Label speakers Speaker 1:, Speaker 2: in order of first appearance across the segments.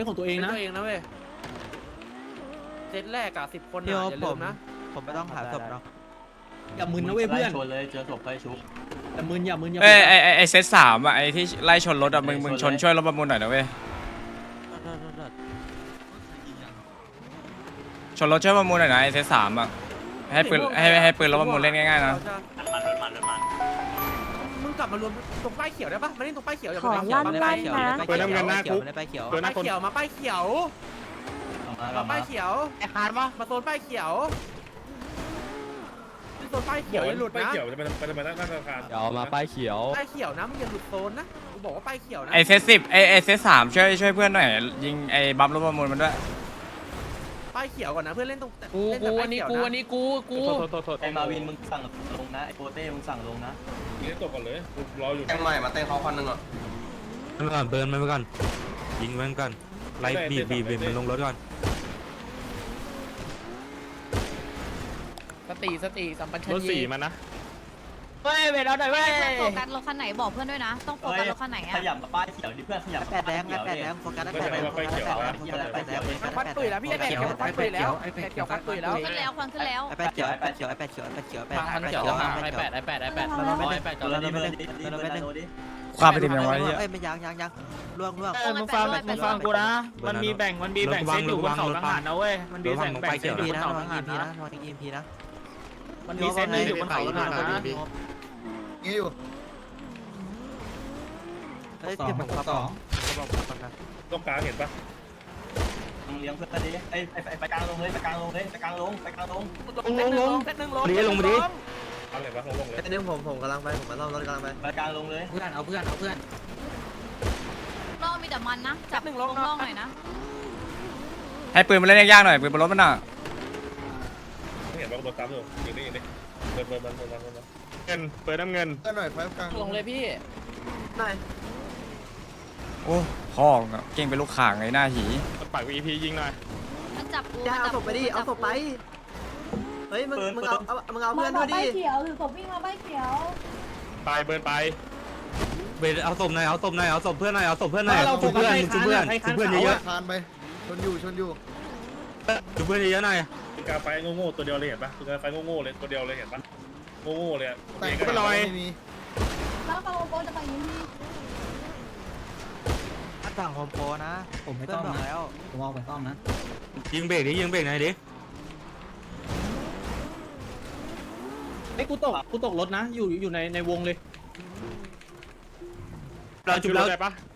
Speaker 1: เป็นของตัวเองนะ
Speaker 2: ตัวเองนะเว้ยเซตแรกอะ10 คนอะอย่าลืมนะ
Speaker 3: ผมไม่ต้องหาศพเนาะ
Speaker 1: อย่ามึนนะเว้ยเพื่อน
Speaker 4: ชนเลยเจอศพไปชุบ
Speaker 1: อย่ามึนอย่ามึนอย่า
Speaker 5: เอ้
Speaker 1: มึ
Speaker 5: ย
Speaker 1: น
Speaker 5: ไอเซต3อ่ะไอที่ไล่ชนรถอ่ะมึงชนช่วยรถประมูลหน่อยนะเว้ยชนรถช่วยประมูลหน่อยนะไอเซต3อ่ะให้ปืนให้ปืนรถประมูลเล่นง่ายๆนะ
Speaker 2: มึงกลับมารวมตรงป้ายเขียวได้ปะมาเล่นตรงป้ายเขียวอย่า
Speaker 6: ขอ
Speaker 2: ไปเขียว
Speaker 6: ลั่น
Speaker 2: มา
Speaker 6: ลั่
Speaker 2: ป้าย
Speaker 6: น
Speaker 2: เขียว
Speaker 6: นะ
Speaker 3: เปิดน้ำเงินหน้าคุกไปเขียว
Speaker 2: ป้ายเขียวมาป้ายเขียวมาป้ายเขียวไอ้คานมาโซนป้ายเขียวโซนป้ายเขียวอย่าหลุดนะ
Speaker 7: เขียวจะไปนั่งธนาคาร
Speaker 8: เดี๋ยวมาป้ายเขียว
Speaker 2: ป้ายเขียวนะมึงอย่าหลุดโซนนะกูบอกว่าป้ายเขียวนะ
Speaker 5: ไอเซต10ไอเซต3ช่วยเพื่อนหน่อยยิงไอบัมรถประมูลมันด้วย
Speaker 2: ป้ายเขียวก่อนนะเพื่อนเล่นตรง
Speaker 8: กู
Speaker 2: เล่นแต่ป้าย
Speaker 8: นี่
Speaker 2: เขียว
Speaker 8: กู
Speaker 2: นะ
Speaker 8: อันนี้กู
Speaker 4: ไอ้มาวินมึงสั่งลงนะไอ้โปเต้มึงสั่งลงนะ
Speaker 7: ยิงตกก่อนเลยรออยู่
Speaker 9: แทงใหม่มาเต้นเขาคนหนึ่งอ่ะ
Speaker 10: มันก่อนเบิร์นมันไปก่อนยิงมันก่อนไล่บีบมันลงรถก่อน
Speaker 8: สติสัมปัญช
Speaker 7: รถ
Speaker 8: นี
Speaker 7: สี่มันนะ
Speaker 8: เว้ยเวลาหน่อยเว้ย
Speaker 6: โฟกัสรถคันไหนบอกเพื่อนด้วยนะ ต้องโฟกัสรถคันไหน
Speaker 4: ข
Speaker 6: อะ
Speaker 4: ยับมาป้ายเขียวดิเพื่อนขยับ
Speaker 3: แปดแดงโฟกัสได้แปดแดงโฟกัสได้แปดแดง
Speaker 2: ฟัดตุยแล้วพี่ไอ้แปดเขียวฟัดตุยแล้วไอ้แปดเขียวฟัดตุยแล้ว
Speaker 6: ขึ้นแล้วควันขึ้นแล้ว
Speaker 3: ไอแปดเขียวไอแปดเขียวไอแปดเขียวไอแปดเขียวไอแปด
Speaker 8: ทางเขียวไอแปด
Speaker 4: ตัวละนิดดิ
Speaker 5: ความไปถึงยังไง
Speaker 3: เอ้ยไม่ยังล่วง
Speaker 6: มึงฟังกูนะ
Speaker 10: มันมีแบ่งเซตอยู่บนเขาทหารนะเว้ยมันมีแบ่งเซต
Speaker 3: พีนะนอนอีพีนะนอนอีพีนะ
Speaker 8: มันมีเซตอยู่บนเขาทหารนะ
Speaker 9: งี้อยู่
Speaker 3: เฮ้ยเก็บของสอง
Speaker 7: ต้องกลางเห็นปะ
Speaker 4: มึงเลี้ยงเพื่อนดิไอ้ไปกลางลงเลยไปกลางลงเลยไปกลางลงไปกลางลง
Speaker 2: เซตหนึ่งลง
Speaker 10: ลงมาดิ
Speaker 7: เอาเลยปะลงเลย
Speaker 3: ไอ้เนี่ยผมกำลังไปผมมาซ่อมรถกำลังไป
Speaker 4: ไปกลางลงเลย
Speaker 1: เพื่อนเอาเพื่อน
Speaker 6: ล่อมีแต่มันนะ จับล่องหน่อยนะ
Speaker 5: ให้ปืนมันเล่นยากๆหน่อยปืนบนรถมันอ่ะ
Speaker 7: ไม่เห็นว่าโดนตามอยู่ยิงดิเปิดมัน
Speaker 10: เงินเปิดน้ำเงิน
Speaker 9: ก็หน่อยไฟกลาง
Speaker 8: ลงเลยพี่
Speaker 5: โอ้พ่อเก่งเป็นลูกข่างไงหน้าหี
Speaker 10: ปากวีพียิงหน่อย
Speaker 6: มันจับกู
Speaker 3: เอาศพไปดิเอาศพไปเฮ้ยมึงเอาเพื่อนด้วยดิ
Speaker 11: เขียวหรือศพวิ่งมาใบเขียว
Speaker 10: ไปเบิร์นไปเบรเอาศพหน่อยเอาศพเพื่อนหน่อยเอาศพเพื่อนหน่อยชุบเพื่อนเยอะ
Speaker 9: คานไปชนอยู่
Speaker 10: ชุบเพื่อนเยอะหน่อย
Speaker 7: กาไฟโง่ๆตัวเดียวเลยเห็นปะคือกาไฟโง่ๆเลยตัวเดียวเลยเห็นปะโง่ๆเลย
Speaker 9: แต่งก็ลอยไม่มี
Speaker 11: แล้วปาโลโกจะไปยิงที่
Speaker 3: สั่งโฮมโปรนะ
Speaker 1: ผมไม่
Speaker 3: เพื่อ
Speaker 1: ต้
Speaker 3: น
Speaker 1: อง
Speaker 3: บอก
Speaker 1: นะ
Speaker 3: แล้ว
Speaker 1: ผมเอาไปซ่อมนะ
Speaker 10: ยิงเบรกหน่อยดิ
Speaker 1: ไอ้กูตกรถนะอยู่ในวงเลย
Speaker 10: เราชุบแล้ว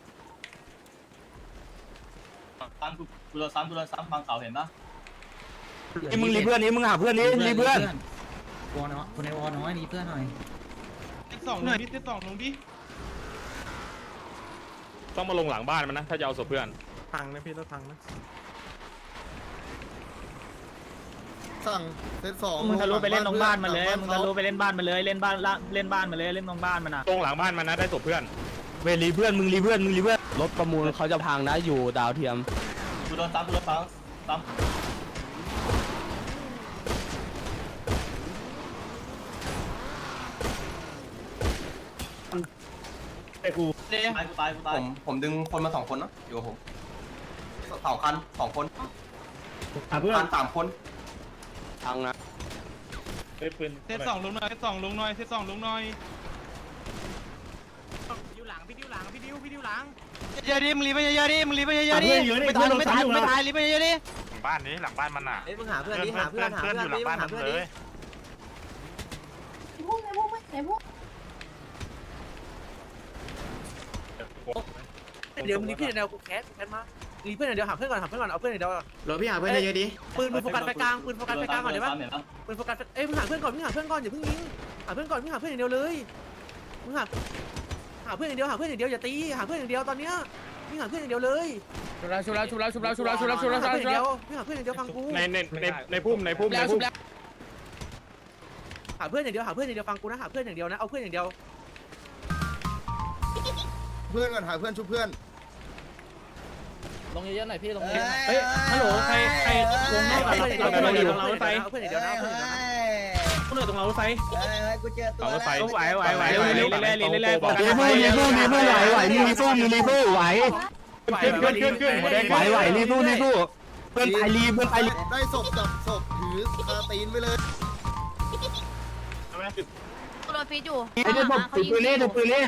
Speaker 4: ซ้ำกูโดนซ้ำฟังเขาเห็นปะ
Speaker 10: นี่มึงรีเพื่อนนี้มึงหาเพื่อนนี้รีเพื่อน
Speaker 1: วอน้อยคนในวอน้อยมีเพื่อนหน่อย
Speaker 10: ต้องมาลงหลังบ้านมันนะถ้าจะเอาศพเพื่อน
Speaker 3: พังนะพี่รถพังนะ
Speaker 9: สั่งเซตสอง
Speaker 8: มึงทะลุไปเล่นตรงบ้านมันเลยมึงทะลุไปเล่นบ้านมันเลยเล่นบ้านมันเลยเล่นตรงบ้านมันนะ
Speaker 10: ตรงหลังบ้านมันนะได้ศพเพื่อนเวรีเพื่อนมึงรีเพื่อน
Speaker 8: รถประมูลเขาจะพังนะอยู่ดาวเทียม
Speaker 4: กูโดนซ้ำ
Speaker 7: ไอ้กู
Speaker 4: ตาย
Speaker 9: ผมดึงคนมา2 คนนะอยู่กับผม2 คัน 2 คน
Speaker 7: เพื่อน
Speaker 9: คัน 3 คน
Speaker 8: พังนะ
Speaker 7: ไอ้ปืน
Speaker 10: เซตสองลงหน่อย
Speaker 2: ดิวหลังพี่ดิวหลัง
Speaker 3: เยอะดิมึงรีไปเยอะดิไม่ตายรีไปเยอะดิ
Speaker 10: บ้านนี้หลังบ้านมันน่ะ
Speaker 3: เฮ้ยมึงหาเพื่อนดิหาเพื่อนดิมึงหาเพื่อนดิ
Speaker 11: พวกไหนพวก
Speaker 2: เดี๋ยวมึงรีเพื่อนเดียวกูแคสมารีเพื่อนเดียวหาเพื่อนก่อนเอาเพื่อนเดียว
Speaker 3: รถพี่หาเพื่อนเยอะดิ
Speaker 2: ปืนโฟกัสไปกลางก่อนได้ปะปืนโฟกัสมึงหาเพื่อนก่อนอย่าเพิ่งยิงหาเพื่อนก่อนมึงหาเพื่อนอย่างเดียวเลยมึงหาเพื่อนอย่างเดียวอย่าตีหาเพื่อนอย่างเดียวตอนเนี้ยมึงหาเพื่อนอย่างเดียวเลย
Speaker 8: ชุบแล้ว
Speaker 2: มึงหาเพื่อนอย่างเดียวฟังกู
Speaker 10: ในพุ่ม
Speaker 2: หาเพื่อนอย่างเดียวฟังกูนะหาเพื่อนอย่างเดียวนะเอาเพื่อนอย่างเดียว
Speaker 9: เพื่อนก่อนหาเพื่อนชุบเพื่อน
Speaker 8: ลงเยอะๆหน่อยพี่ลงเยอะ
Speaker 1: เฮ้ยฮัลโหลใครวงนอกอะเราอยู่ตรงรถไฟ
Speaker 2: เอาเพื่อนอย่างเดียวนะเอาเพื่อนอย่างเดียวนะ
Speaker 1: คนอื่นตรงรถไฟ
Speaker 3: กูเจอตัว
Speaker 10: รถไฟ
Speaker 8: ไหวเรื่อยๆ
Speaker 10: รีเพื่อนไหวขึ้นหัวแดงไหวรีบสู้เพื่อนไปรีเพื่อนไปรี
Speaker 9: ได้ศพจับศพถือคาตีนไปเลย
Speaker 6: กูโดนฟีดอยู่
Speaker 10: ไอ้เนี่ยผมถือปืนนี่ถือปืนนี่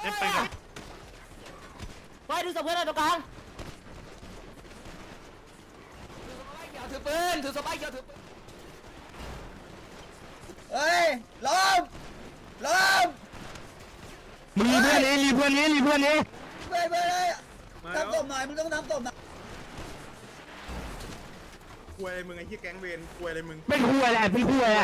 Speaker 2: ไปดูศพเพื่อนเลยตรงกลาง
Speaker 9: ถือปืนถือสบายเขียวถือปืนเฮ้ยล้ม
Speaker 10: มึงรีเพื่อนนี่รีเพื่อนนี่
Speaker 9: เพื่อนเลยทำศพหน่อยมึงต้องทำศพหน่อย
Speaker 7: คุยอะไรมึงไอ้ที่แก๊งเวรคุยอะไรมึง
Speaker 10: เป็นคู่แหละคุยแหละ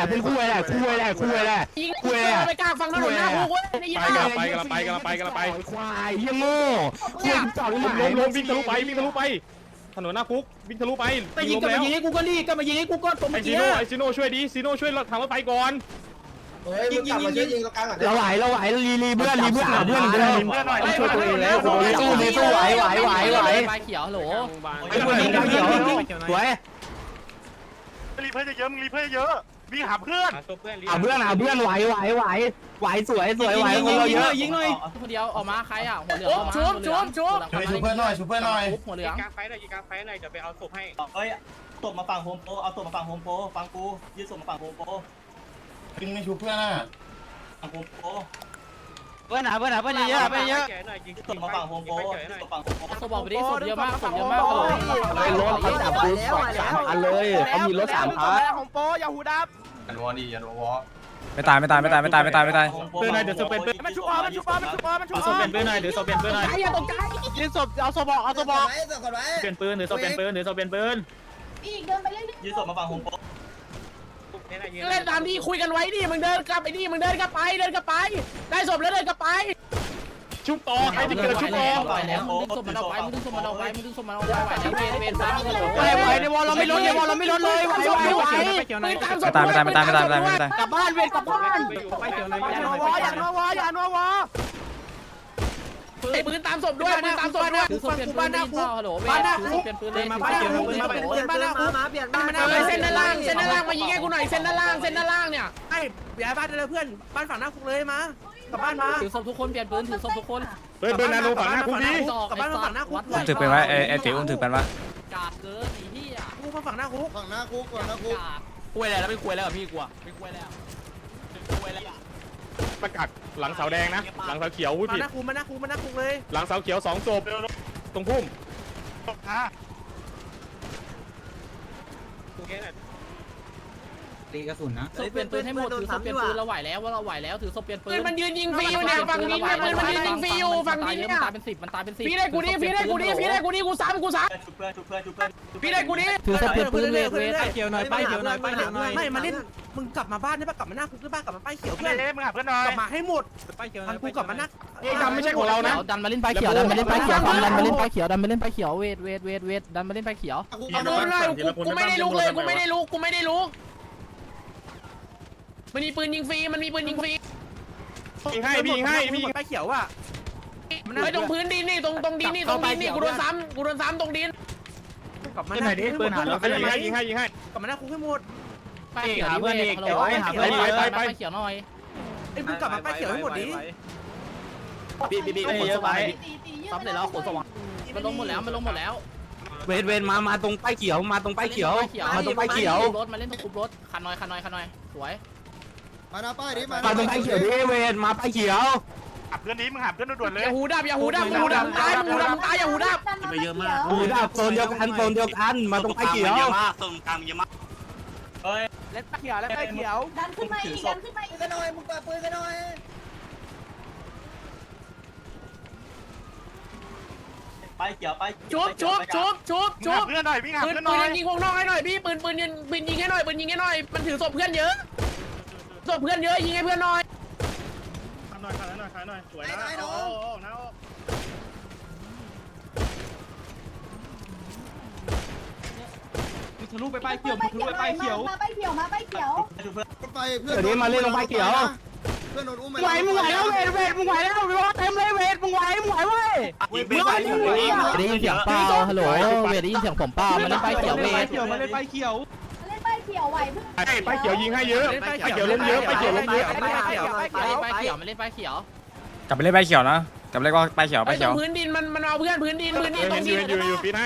Speaker 2: ไปกลางฟังถนนหน้าคุกเว้ยได้ยิน
Speaker 7: ไปกันละไป
Speaker 10: ควายยังโง่ควายจอด
Speaker 7: ล้มวิ่งทะลุไปถนนหน้าคุกวิ่งทะลุไป
Speaker 1: แต่ยิงกลับมายิงให้กูก็รีกลับมายิงให้กูก็ตัวเมื่อกี้
Speaker 7: ไอซิโน่ช่วยดิซิโน่ช่วยทางรถไฟก่อน
Speaker 1: ยิงตรงกลาง
Speaker 10: เราไหวรีเพื่อนหาเพื่อนเดิมช่วยตัวเองแล้วสู้ไหว
Speaker 2: ไปเขียวฮัลโหล
Speaker 10: ไอ้คนนี้เขียวสวย
Speaker 7: รีเพื่อนเยอะมึงรีเพื่อนเยอะวิ่งหาเพื่อน
Speaker 10: หาเพื่อนไหวสวยคนเราเยอะ
Speaker 1: ยิงหน่อย
Speaker 2: คนเดียวออกมาใครอ่ะหัวเหลืองออกมาชุบเพื่อนหน่อยหัวเหลือง
Speaker 10: กลางไฟหน่อยจะไปเอาศพให้
Speaker 4: เฮ้ยศพมาฝั่งโฮมโปรเอาศพมาฝั่งโฮมโปรฟังกูยืดศพมาฝั่งโฮมโปร
Speaker 9: ยิงไม่ชูเพื่อนอ่ะ
Speaker 4: ฝั่งโฮมโปร
Speaker 3: เพื่อนเยอะ
Speaker 4: ศพมาฝั่งโฮมโปรศพฝั่งโฮมโปร
Speaker 2: ศพบอกไปดิศพเยอะมากศพเยอะมาก
Speaker 10: เลยรถเขาจับปืน3 คันเลยเขามีรถ3 คัน
Speaker 2: ของโปอย่าหูดับ
Speaker 9: ยันวอดียันวอ
Speaker 5: ไม่ตาย
Speaker 7: เพื่อนนายเดี๋ยวจะเป็น
Speaker 2: มันชุบมันชุบ
Speaker 8: ศพเป็นปืนหน่อยเดี๋ยวศพเป็นปืนหน่อย
Speaker 2: อย่าตกใจ
Speaker 3: ยิงศพเอาศพบอก
Speaker 8: เป็นปืนเดี๋ยวศพเป็นปืนเดี๋ยวศพเป็นปืน
Speaker 11: อีกเดินไปเรื่อย
Speaker 4: ยืดศพมาฝั่งโฮมโปร
Speaker 2: เล่นตามที่คุยกันไว้ดิมึงเดินกลับไปดิมึงเดินกลับไปได้ศพแล้วเดินกลับไป
Speaker 7: ชุบต่อใครจะเกิดชุบต่อ
Speaker 2: ไหวแล้วมึงดึงศพมันออกไปมึงดึงศพมันออกไปไหวแล้วเวนฟ้า
Speaker 3: ไหวในวอลเราไม่ลดเลยไหว
Speaker 5: ไม่ตาย
Speaker 3: กลับบ้านเวรกลับบ้าน
Speaker 2: อย่านัวปืนตามศพด้วยปืนตามศพด้วยถือศพเปลี่ยนปืนได้เปล่าฮัลโหลบ้านหน้าคุกเปลี่ยนปืนเลยมาบ้านหน้าคุกบ้านหน้าคุกเส้นด้านล่างมายิงให้กูหน่อยเส้นด้านล่างเนี่ยไอ้ย้ายบ้านเลยเพื่อนบ้านฝั่งหน้าคุกเลยมากลับบ้านมาถือศพทุกคนเปลี่ยนปืนถือศพทุกคน
Speaker 7: เบิร์นนาโนฝั่งหน้าคุกนี้
Speaker 2: กลับบ้านฝั่งหน้าคุก
Speaker 5: ถือเป็นไว้ไอ้ติ๋วถือเป็นวะ
Speaker 2: กาดเกินอีที่อ่ะคุกฝั่งหน้าคุก
Speaker 9: ฝั่งหน้าคุกฝั่งหน้าคุก
Speaker 3: คุยแล้วไม่คุยแล้วพี่กลัวไม่คุยแล้ว
Speaker 7: ประกาศหลังเสาแดงนะหลังเสาเขียวพูด
Speaker 2: มา
Speaker 7: ผิด
Speaker 2: หน้าคุกเลย
Speaker 7: หลังเสาเขียว2 ศพตรงพุ่ม
Speaker 8: ตีกระสุนนะ
Speaker 2: ศพเปลี่ยนปืนให้หมดถือศพเปลี่ยนปืนเราไหวแล้วว่าเราไหวแล้วถือศพเปลี่ยนปืนมันยืนยิงฟรีอยู่เนี่ยฝั่งนี้เนี่ยมันยืนยิงฟรีอยู่ฝั่งนี้เนี่ยมันตายเป็น10พี่ได้กูดิกูซ้ำ
Speaker 4: ชุบเพื่อน
Speaker 2: พี่ได้กูดิ
Speaker 3: ถือศพเปลี่ยนปืนเวท
Speaker 2: ป้ายเขียวหน่อยไม่มาเล่นมึงกลับมาบ้านได้ปะกลับมาหน้าคุกได้ปะกลับมาป้ายเขียวเพื่อน
Speaker 7: มึงหาเพื่อนหน่อย
Speaker 2: กลับมาให้หมดทางกูกลับมาหน้า
Speaker 7: ดำไม่ใช่ของเรานะ
Speaker 3: ดันมาเล่นป้ายเขียวดันมาเล่นป้ายเขียวดันมาเล่นป้ายเขียวดันมาเล่นป้ายเขียวเวทดันมาเล่นป้ายเขียว
Speaker 2: กูไม่ได้ลุกเลยกูไม่ได้ลุกมันมีปืนยิงฟรี
Speaker 7: ยิงให้
Speaker 2: ป้ายเขียวอ่ะไม่ตรงพื้นดินนี่ตรงดินนี่กูโดนซ้ำตรงดินกลับมาหน้า
Speaker 7: ยิงให้
Speaker 2: กลับมาหน้าคุกให้หมด
Speaker 3: ป้ายเขียวเพื่อนอีกเดี๋ยวให้หาเพื่อนป้ายเขียวหน่อย
Speaker 2: ไอ้มึงกลับมาป้ายเขียวให้หมดดิ
Speaker 3: บีเยอะไป
Speaker 11: ๆ
Speaker 3: ซับเสร็จแล้วขนส่ง
Speaker 2: มันลงหมดแล้ว
Speaker 10: เวทมาตรงป้ายเขียวมาตรงป้ายเขียว
Speaker 2: รถมาเล่นตรงคุบรถคันน้อยสวย
Speaker 9: มาหน้าป้ายดิมา
Speaker 10: ตรงป้ายเขียวดิเวทมาป้ายเขียว
Speaker 7: หาเพื่อนนี้มึงหาเพื่อนด่วนเลย
Speaker 2: อย่าหูดับตายอย่าหูดับ
Speaker 11: ไปเยอะมาก
Speaker 10: ดูดับโซนเดียวกันมาตรงป้ายเขียว
Speaker 4: เฮ้ย
Speaker 2: เล่นป้ายเขียว
Speaker 11: ดันขึ้นมาอีก
Speaker 9: กันหน่อยมึงเปิดปืนกันหน่อย
Speaker 4: ไปเขียวไป
Speaker 2: ชุบ
Speaker 7: เพื่อนหน่อยวิ่งหา
Speaker 2: ปืน
Speaker 7: เพื่อนหน่อย
Speaker 2: ยิงวงนอกให้หน่อยพี่ปืนยิงให้หน่อยมันถือศพเพื่อนเยอะยิงให้เพื่อนหน่อย
Speaker 7: ขายหน่อยสวยนะ
Speaker 11: ทะลุไปป้ายเขียวมาป้ายเขียว
Speaker 4: ชุบเพื่อน
Speaker 9: ไปเพื่อน
Speaker 10: เดี๋ยวนี้มาเล่นตรงป้ายเขียว
Speaker 9: เพื่อนโดนอุ้ม
Speaker 10: ไหวแล้วเวทมึงไหวแล้วเต็มเลยเวทมึงไหวเว้ย
Speaker 3: ได้ยินเสียงเปล่าฮัลโหลเวทได้ยินเสียงผมเปล่ามาเล่นป้ายเขียวเวท
Speaker 11: เล่นป้ายเขียวไหวเพื่อน
Speaker 7: ป้ายเขียวยิงให้เยอะป้ายเขียวล้มเยอะ
Speaker 2: ป้ายเขียวมาเล่นป้ายเขียว
Speaker 5: กลับไปเล่นใบเขียวนะกับเรียกว่าไปเขียวไปเขียว
Speaker 8: พื้นดินมันเอาพื้นดินตรงนี้
Speaker 7: อยู่ปีให้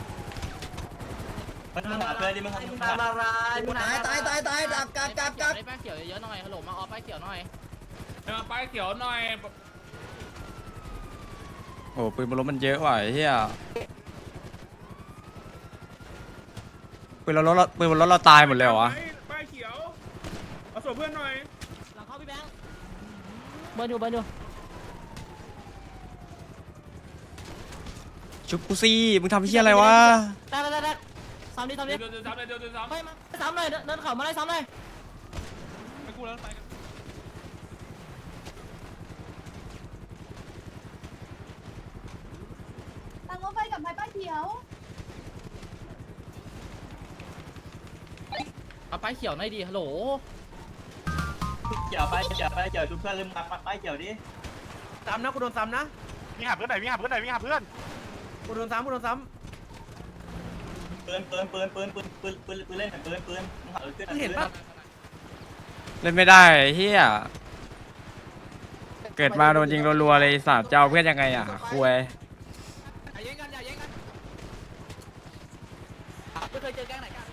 Speaker 4: มึงหาเพื่อนดิมึงหา
Speaker 1: ตายดักกัด
Speaker 8: ป้ายเขียวเยอะหน่อยฮัลโหลมาออป้ายเขียวหน่อย
Speaker 10: ไปเขียวหน่อย
Speaker 5: โอ้ปืนบนรถมันเยอะว่ะไอ้เหี้ยปืนบนรถเราตายหมดเลยเหรอวะ
Speaker 7: ป้ายเขียวเอาส่งเพื่อนหน่อย
Speaker 8: หลังเข้าพี่แบงค์เบิร์นอยู่
Speaker 5: ชุบกูซี่มึงทำเหี้ยอะไรวะ
Speaker 8: ได้ซ้ำดิ
Speaker 10: เดี๋ยวซ้ำเลยเดี๋ยวซ้ำ
Speaker 8: ไม่มาซ้ำเลยเดินเข่ามาได้ซ้ำเลย
Speaker 10: ไปกูแล้วไปกัน
Speaker 11: ทางรถไฟกับไม้ป้ายเขียว
Speaker 8: เอาป้ายเขียวหน่อยดิฮัลโหล
Speaker 4: เกี่ยวไปเกี่ยวดูเพื่อนลืมไปเกี่ยวดิ
Speaker 2: ซ้ำนะกูโดนซ้ำนะ
Speaker 7: วิ่งหาเพื่อนหน่อยวิ่งหาเพื่อนหน่อยวิ่งหาเพื่อน
Speaker 2: กูโดนซ้ำ
Speaker 4: ปืนเล่นปืนมึงหาเพื่อน
Speaker 2: มึงเห็นปะ
Speaker 5: เล่นไม่ได้ไอ้เหี้ยเกิดมาโดนยิงรัวๆเลยสัตว์จะเอาเพื่อนยังไงอ่ะคุย
Speaker 2: อย่าเย็นกันไม่เคยเจอแก๊งไหนกัน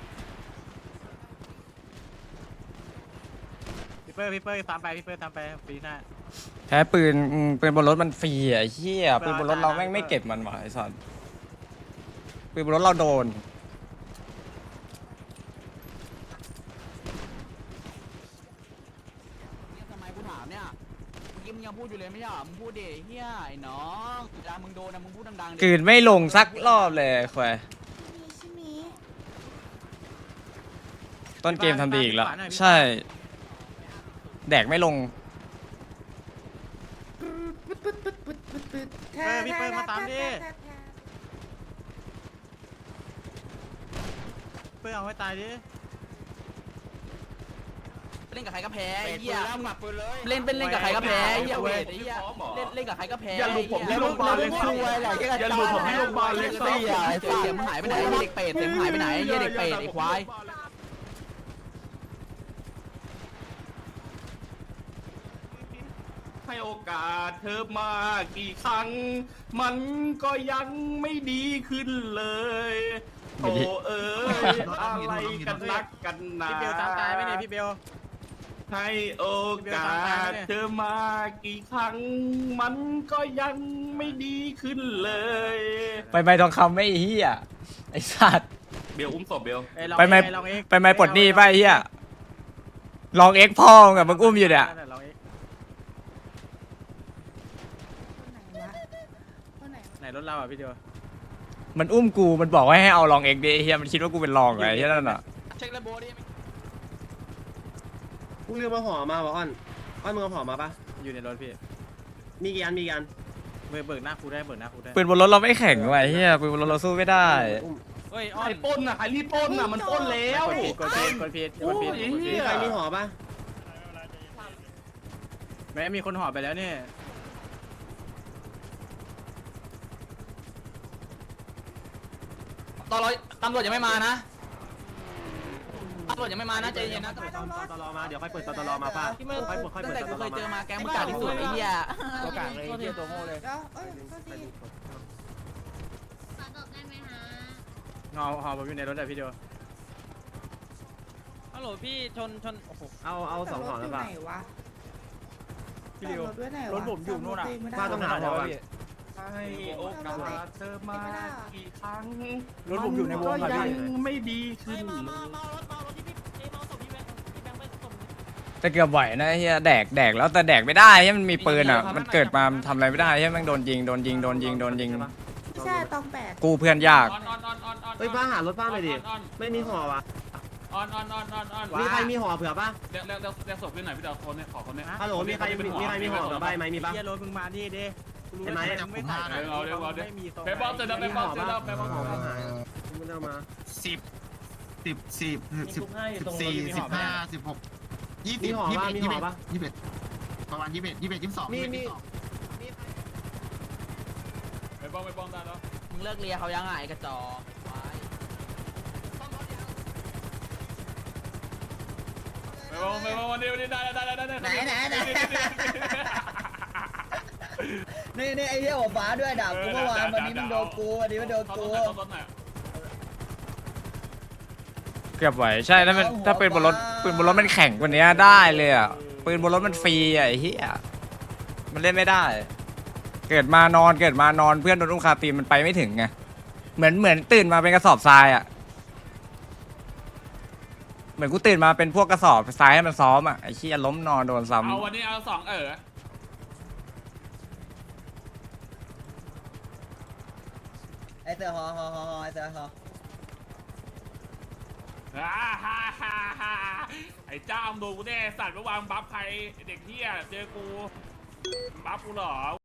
Speaker 2: พี่เปิ้ลตามไปปีหน้า
Speaker 5: แพ้ปืนบนรถมันฟรีอ่ะไอ้เหี้ยปืนบนรถเราแม่งไม่เก็บมันว่ะไอ้สัตว์ปืนบนรถเราโดน
Speaker 8: ทำไมกูถามเนี่ยเมื่อกี้มึงยังพูดอยู่เลยไม่ใช่หรอมึงพูดดิเฮียไอ้น้องเวลามึงโดนนะมึงพูดดังๆ
Speaker 5: กลืนไม่ลงสักรอบเลยคุยต้นเกมทำดีอีกแล้วใช่แดกไม่ลง
Speaker 2: พี่เปิ้ลมาตามดิเปิ้ลเอาให้ตายดิ
Speaker 8: เล่นกับใครก็แพ้ไอ้เหี้ยเล่นกับใครก็แพ้ไอ้เหี้ยเวทไอ้เหี้ยเล่นกับใครก็แพ้
Speaker 7: อย่าหลุดผมที่โรงพยาบาลเลยสิอย่าหลุดผมที่โรงพยาบาลเลยสิ
Speaker 8: ไอ้เสียมึงหายไปไหนไอ้เด็กเป็ดเสียมึงหายไปไหนไอ้เด็กเป็ดไอ้ควาย
Speaker 10: ให้โอกาสเธอมากี่ครั้งมันก็ยังไม่ดีขึ้นเลยโอ้เอ๋ยอะไรกันนักกันหนา
Speaker 2: พี่เบลตามตายไหมเนี่ยพี่เบล
Speaker 10: ให้โอกาสเธอมากี่ครั้งมันก็ยังไม่ดีขึ้นเลย
Speaker 5: ไปไม้ทองคำไม่เฮียไอ้สัตว์
Speaker 10: เบลอุ้มศพเบล
Speaker 5: ไปไม้ปลดหนี้ไปเฮียลองเอ็กพ่อกับมึงอุ้มอยู่เนี่ย
Speaker 2: ไหนรถเราอ่ะพี่เดียว
Speaker 5: มันอุ้มกูมันบอกว่าให้เอาลองเอ็กดิไอ้เฮียมันคิดว่ากูเป็นลองไงเฮียนั่นอ่ะ
Speaker 8: เช็คระบบดิ
Speaker 1: กูเรียกมาห่อมาบอกอ้อนมึงเอาห่อมาปะ
Speaker 2: อยู่ในรถพี่
Speaker 1: มีกี่อัน
Speaker 2: เบิกหน้าครูได้
Speaker 5: ปืนบนรถเราไม่แข็งว่ะไอ้เฮียปืนบนรถเราสู้ไม่ได้
Speaker 2: เฮ้ย
Speaker 10: ใครปล้นอ่ะใครรีบปล้นอ่ะมันปล้นแล้ว
Speaker 2: กดผิด
Speaker 1: มีใครมีห่อปะ
Speaker 2: แม่มีคนห่อไปแล้วเนี่ย
Speaker 8: ตำรวจยังไม่มานะตำรวจยังไม่มานะใจเย็นนะ
Speaker 1: ตลอมาเดี๋ยวค่อยเปิดตลอมาป่ะ
Speaker 8: ตั้งแต่กูเคยเจอมาแกงมึงกาดที่สุดไอ้เหี้ย
Speaker 2: ตัวกลางเลยเหี้ยตัวโง่เลย ห่อผมอยู่ในรถแต่พี่เดียว
Speaker 8: ฮัลโหลพี่ชนโอ้โห
Speaker 1: เอา2ห่อแล้วป่ะ
Speaker 2: พี่เดียวรถผมอยู่นู่นอ่ะ
Speaker 1: ป้าต้องหาห่อ
Speaker 10: ให้โอกาสเธอมากี่ครั้ง
Speaker 2: รถผมอยู่ในวง
Speaker 10: ก็
Speaker 2: อ่ะ
Speaker 10: ยั
Speaker 2: พี่
Speaker 10: งไม่ดีขึ้นเลย
Speaker 5: แต่เกือบไหวนะไอ้เฮียแดกแล้วแต่แดกไม่ได้เฮียมันมีปืนอ่ะมันเกิดมาทำอะไรไม่ได้เฮียแม่งโดนยิง
Speaker 11: ใช่ตองแปด
Speaker 5: กูเพื่อนยาก
Speaker 1: เฮ้ยป้าหารถป้าหน่อยดิไม่มีห่อวะมีใครมีห่อเผื่อป่ะ
Speaker 10: เรียกศพขึ้นหน่อยพี่ดาวคนเนี่ยขอคนเนี่ย
Speaker 1: ฮัลโหลมีใครมีห่อเผื่อใบไหมมีป่ะ
Speaker 2: เหี้ยรถมึงมาดิเด้
Speaker 1: ใช่ไหม
Speaker 2: ไม่ใส่ไม่มี
Speaker 10: ไปบอลเสร็จแล้วไปบอลเสร็จแล้วไปบอล
Speaker 1: มึงเอามา
Speaker 2: มีห่อป่ะมีห่อป่ะ
Speaker 1: มี
Speaker 10: ไปบอลได้แล้ว
Speaker 8: มึงเลิกเลียเขายังไงกระจอกควาย
Speaker 10: ไปบอลวันนี้ได้ไหน
Speaker 8: นี่ไอ้เหี้ยหัวฟ้าด้วยด่ากูเมื่อวานวันนี้มึงโดนกูวันนี้มันโดนกู
Speaker 5: เกือบไหวใช่ถ้าปืนบนรถมันแข็งกว่านี้ได้เลยอ่ะปืนบนรถมันฟรีอ่ะไอ้เหี้ยมันเล่นไม่ได้ เกิดมานอนเพื่อนโดนอุ้มคาตีนมันไปไม่ถึงไงเหมือนตื่นมาเป็นกระสอบทรายอ่ะเหมือนกูตื่นมาเป็นพวกกระสอบทรายให้มันซ้อมอ่ะไอ้เหี้ยล้มนอนโดนซ้ำ
Speaker 10: เอาวันนี้เอา2
Speaker 8: ไอ้เสือฮอไอ้เสือฮอ
Speaker 10: ไอ้เจ้ามึงโดนกูแน่สัตว์เมื่อวานบัฟใครเด็กเหี้ยเจอกูบัฟกูเหรอ